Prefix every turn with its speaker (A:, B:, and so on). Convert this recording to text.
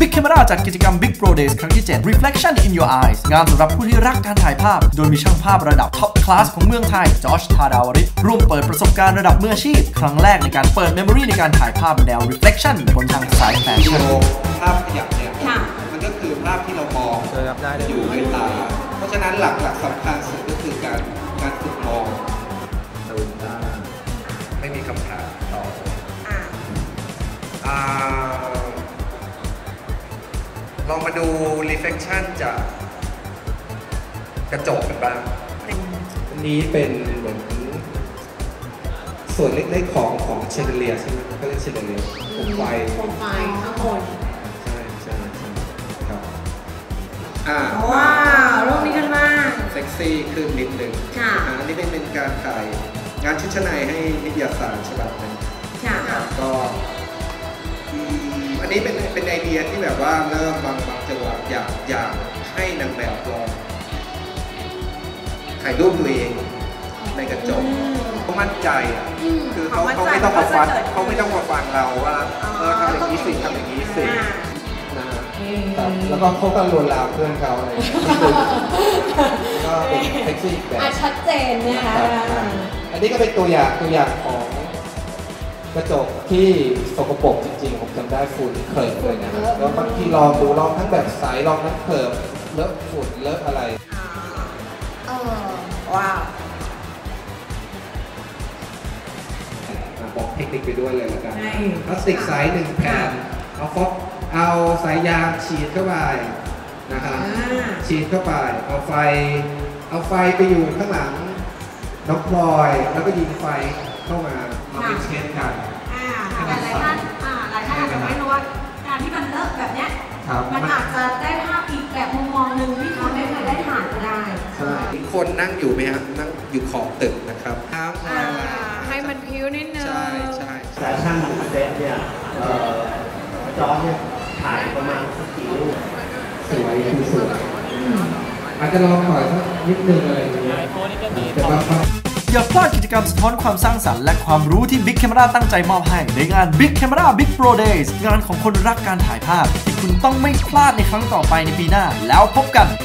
A: Big Camera จัดกิจกรรม Big Pro Days ครั้งที่ 7 Reflection in Your Eyes งานสำหรับผู้ที่รักการถ่ายภาพโดยมีช่างภาพระดับท็อปคลาสของเมืองไทยจอร์จ ธาดาวริศร่วมเปิดประสบการณ์ระดับมืออาชีพครั้งแรกในการเปิด Memory ในการถ่ายภาพแนว Reflection บนทางสายแฟชั่น
B: ภาพขยับเนี่ยมันก็คือภาพที่เรามองอยู่ในตาเพราะฉะนั้นหลักสำคัญสุดก็คือการฝึกมองดูตาไม่มีคำถามต่อลองมาดู reflection จากกระจกกันบ้างอันนี้เป็นเหมือนส่วนเล็กๆของเชนเดเลียใช่ไหมก็เรียกเชนเดเลียโคมไฟ
C: ข้างบน
B: ใช่ครับ
C: ว้าวรูปนี้กันมาก
B: เซ็กซี่ขึ้นนิดนึงอันนี้เป็นการถ่ายงานชุดชั้นในให้นิตยสารฉบับนึงก็อันนี้เป็นไอเดียที่แบบว่าเริ่มบางจังหวะอยากให้นางแบบลองถ่ายรูปตัวเองในกระจกเขามั่นใจคือเขาไม่ต้องมาฟังเราว่าทำอย่างนี้สิทำอย่างนี้สิแล้วก็เขาก็ลวนลามเพื่อนเขาอะไรก็เป็นเซ็กซี่แบบ
C: ชัดเจนนะคะ
B: อันนี้ก็เป็นตัวอย่างของกระจกที่สกปรกจริงๆผมจำได้ฝุ่นเขิบเลยนะแล้วบางทีลองทั้งแบบใสลองทั้งเขิบเลอะฝุ่นเลอะอะไร
C: ว้าว
B: บอกเทคนิคไปด้วยเลยละกันพลาสติกใส1 แผ่นเอาสายยางฉีดเข้าไปนะครับฉีดเข้าไปเอาไฟไปอยู่ข้างหลังน้องพลอยแล้วก็ยิงไฟเข้ามาเป็นเชนกัน
C: หลายท่านอาจจะไม่รู้ว่าการที่มันเลอะแบบเนี้ยมันอาจจะได้ภาพอีกแบบมุมมองหนึ่งที่เขาไม่เคยได้ถ่ายก็ได้
B: ใช่คนนั่งอยู่ไหมครับนั่งอยู่ขอบตึกนะครับ
C: ให้มันพิ้วนิดนึง
B: ใช่
D: แฟชั่นเซ็ตเนี่ยจอเนี่ยถ่ายประมาณสักกี่รูป
B: สวยอาจจะลองถอยสักนิดนึงอะไรอย่างเงี้ยแต่บาง
A: อย่าพลาดกิจกรรมสะท้อนความสร้างสรรค์และความรู้ที่ Big Camera ตั้งใจมอบให้ในงาน Big Camera Big Pro Days งานของคนรักการถ่ายภาพที่คุณต้องไม่พลาดในครั้งต่อไปในปีหน้าแล้วพบกัน